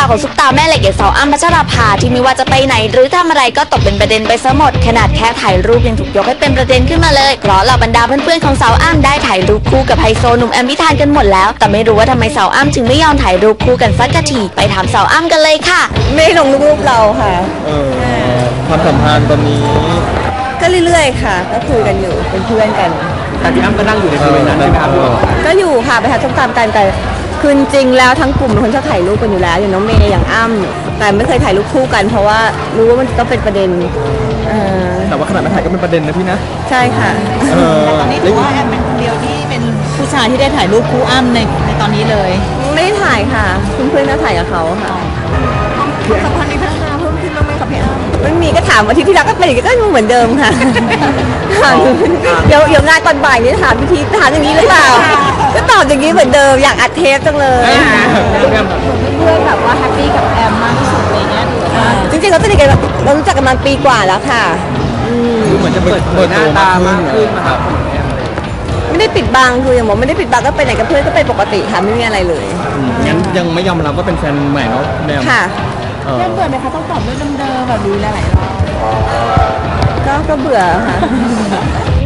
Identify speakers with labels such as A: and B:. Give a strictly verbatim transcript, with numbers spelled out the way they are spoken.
A: าวของซุปตาแม่เหล็กอย่างสาวอ้ำพัชราภาที่ไม่ว่าจะไปไหนหรือทำอะไรก็ตกเป็นประเด็นไปซะหมดขนาดแค่ถ่ายรูปยังถูกยกให้เป็นประเด็นขึ้นมาเลยเพราะเหล่าบรรดาเพื่อนๆของสาวอ้ำได้ถ่ายรูปคู่กับไฮโซหนุ่มแอมพิธานกันหมดแล้วแต่ไม่รู้ว่าทำไมสาวอ้ำจึงไม่ยอมถ่ายรูปคู่กันสักทีไปถามสาวอ้ำกันเลยค่ะ
B: ไม่ลงรูปเราค่ะ
C: เออความสัมพันธ์ตอนนี้
B: ก็เรื่อยๆค่ะก็คุยกันอยู่เป็นเพื่อนกัน
D: แต่พี่อ้ำก็นั่งอยู่ในบริเวณนั้นใช่ไหมครับ
B: ก็อยู่ค่ะไปหาส้มตำกันแต่คือจริงแล้วทั้งกลุ่มเป็นคนชอบถ่ายรูปกันอยู่แล้วอย่างน้องเมย์อย่างอ้ำแต่ไม่เคยถ่ายรูปคู่กันเพราะว่ารู้ว่ามันต้องเป็นประเด็น
C: แต่ว่าขนาดมาถ่ายก็เป็นประเด็นนะพี่นะ
B: ใช่ค่ะ
E: แต่ตอนนี้ถือว่าแอมเป็นคนเดียวที่เป็นผู้ชายที่ได้ถ่ายรูปคู่อ้ำในในตอนนี้เลย
B: ไม่ได้ถ่ายค่ะเพื่อนๆก็ถ่ายกับเขาค่ะ
E: สัมพันธ์ในพัฒนาเพิ่มขึ้นบ้างไหมกับพี่อ้ำ
B: ไม่มีก็ถามอาทิตย์ที่แล้วก็เป็นอย่างนี้ก็เหมือนเดิมค่ะเดี๋ยวเดี๋ยวงานตอนบ่ายนี้ถามพิธีถามอย่างนี้หรือเปล่าก็ตอบอย่างนี้เหมือนเดิมอยากอัดเทปจังเลย
E: เพื่อนแบบว่าแฮปปี้กับแอมมากที่สุดอะไรเงี้ย
B: จริงๆเราสนิทกันเรารู้จักกันมาปีกว่าแล้วค่ะ
D: เหมือนจะเปิดเปิดหน้าตามากขึ้นมาครับ
B: ไม่ได้ปิดบังคืออย่างบอกไม่ได้ปิดบังก็ไปไหนกับเพื่อนก็ไปปกติค่ะไม่มีอะไรเลย
C: งั้นยังไม่ยอมรับว่าเป็นแฟนใหม่เนาะแม่
B: ค่ะ
E: เริ่มเบื่อไหมคะต้องตอบเรื่องเดิมๆแบบนี้หลายๆรอบ
B: ก็ก็เบื่อค่ะ